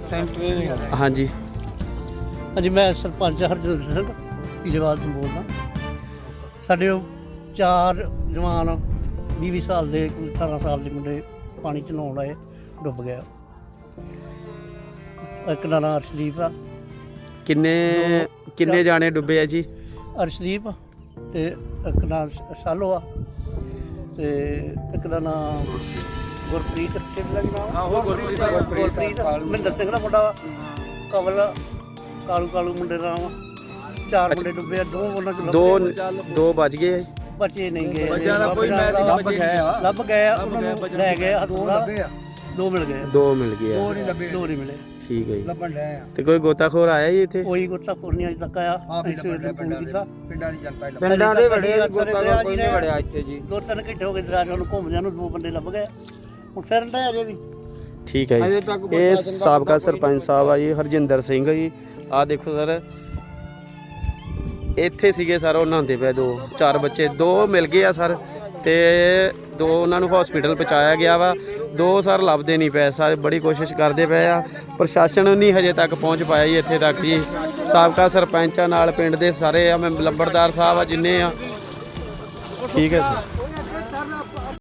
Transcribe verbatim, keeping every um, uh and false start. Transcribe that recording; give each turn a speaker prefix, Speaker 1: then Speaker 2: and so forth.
Speaker 1: Centre
Speaker 2: ਹਾਂਜੀ
Speaker 3: ਹਾਂਜੀ ਮੈਂ ਸਰਪੰਚ ਹਰਜਿੰਦਰ ਸਿੰਘ ਪੀਲੇਵਾਲ ਤੋਂ ਬੋਲਦਾ। ਸਾਡੇ ਉਹ ਚਾਰ ਜਵਾਨ ਵੀਹ ਵੀਹ ਸਾਲ ਦੇ ਅਠਾਰਾਂ ਸਾਲ ਦੇ ਮੁੰਡੇ ਪਾਣੀ 'ਚ ਨਹਾਉਣ ਆਏ, ਡੁੱਬ ਗਿਆ। ਇੱਕ ਦਾ ਨਾਂ ਅਰਸ਼ਦੀਪ ਆ।
Speaker 2: ਕਿੰਨੇ ਕਿੰਨੇ ਜਾਣੇ ਡੁੱਬੇ ਆ ਜੀ?
Speaker 3: ਅਰਸ਼ਦੀਪ ਤੇ ਇੱਕ ਨਾਂ ਸ਼ਾਲੋ ਆ ਤੇ ਇੱਕ ਦਾ ਨਾਂ ਗੁਰਪ੍ਰੀਤ ਕਿਹੜਾ ਨਾਮ?
Speaker 1: ਆਹੋ ਗੁਰਪ੍ਰੀਤ
Speaker 3: ਗੁਰਪ੍ਰੀਤ ਮਹਿੰਦਰ ਸਿੰਘ ਦਾ ਮੁੰਡਾ ਵਾ। ਕਵਲ ਕਾਲੂ ਕਾਲੂ ਮੁੰਡੇ ਦਾ ਨਾਮ। ਚਾਰ ਮੁੰਡੇ ਡੁੱਬੇ ਆ, ਦੋ ਉਹਨਾਂ ਚ
Speaker 2: ਦੋ ਦੋ ਬਚ ਗਏ ਆ ਜੀ?
Speaker 3: ਬਚੇ ਨਹੀਂ ਗਏ।
Speaker 1: ਬੱਚਿਆਂ ਦਾ ਕੋਈ ਮੈਂ ਲੱਭ ਗਏ ਆ
Speaker 3: ਲੱਭ ਗਏ ਆ, ਉਹਨਾਂ ਨੂੰ ਲੈ ਗਏ ਹਥੂਰਾ। ਦੋ ਮਿਲ ਗਏ,
Speaker 2: ਦੋ ਮਿਲ ਗਏ ਆ।
Speaker 1: ਦੋ ਨਹੀਂ ਲੱਭੇ,
Speaker 3: ਦੋ ਨਹੀਂ ਮਿਲੇ।
Speaker 2: ਠੀਕ ਹੈ ਜੀ।
Speaker 1: ਲੱਭਣ ਡਏ ਆ।
Speaker 2: ਤੇ ਕੋਈ ਗੋਤਾਖੋਰ ਆਇਆ ਜੀ ਇੱਥੇ?
Speaker 3: ਕੋਈ ਗੋਤਾਖੋਰ ਨਹੀਂ ਅਜੇ ਤੱਕ ਆਇਆ।
Speaker 1: ਆਪ ਹੀ
Speaker 3: ਅਸੀਂ ਸਵੇਰ
Speaker 1: ਲੱਭਣ
Speaker 3: ਨੂੰ ਫੋਨ ਕੀਤਾ।
Speaker 1: ਪਿੰਡਾਂ ਦੀ ਜਨਤਾ ਹੀ ਲੱਭ
Speaker 3: ਪਿੰਡਾਂ ਦੇ ਵੜੇ ਗੋਤਾਖੋਰ ਕੋਈ ਨਹੀਂ ਵੜਿਆ ਇੱਥੇ ਜੀ। ਦੋ ਤਿੰਨ ਘੰਟੇ ਹੋ ਗਏ ਦਰਾਜ ਨੂੰ ਘੁੰਮਦਿਆਂ ਨੂੰ, ਦੋ ਬੰਦੇ ਲੱਭ ਗਏ। ਹੁਣ ਫਿਰਨ ਡਏ ਅਜੇ ਵੀ।
Speaker 2: ਠੀਕ ਹੈ ਜੀ। ਇਹ ਸਾਬਕਾ ਸਰਪੰਚ ਸਾਹਿਬ ਆ ਜੀ ਹਰਜਿੰਦਰ ਸਿੰਘ ਜੀ। ਆਹ ਦੇਖੋ ਸਰ, ਇੱਥੇ ਸੀਗੇ ਸਰ, ਉਹ ਨਹਾਉਂਦੇ ਪਏ। ਦੋ ਚਾਰ ਬੱਚੇ, ਦੋ ਮਿਲ ਗਏ ਆ ਸਰ, ਤੇ ਦੋ ਉਹਨਾਂ ਨੂੰ ਹਸਪੀਟਲ ਪਹੁੰਚਾਇਆ ਗਿਆ ਵਾ। ਦੋ ਸਰ ਲੱਭਦੇ ਨਹੀਂ ਪਏ। ਸਾਰੇ ਬੜੀ ਕੋਸ਼ਿਸ਼ ਕਰਦੇ ਪਏ ਆ, ਪ੍ਰਸ਼ਾਸਨ ਨਹੀਂ ਹਜੇ ਤੱਕ ਪਹੁੰਚ ਪਾਇਆ ਜੀ ਇੱਥੇ ਤੱਕ ਜੀ। ਸਾਬਕਾ ਸਰਪੰਚਾਂ ਨਾਲ ਪਿੰਡ ਦੇ ਸਾਰੇ ਆ, ਮੈਂ ਲੰਬੜਦਾਰ ਸਾਹਿਬ ਆ ਜਿੰਨੇ ਆ। ਠੀਕ ਹੈ ਸਰ।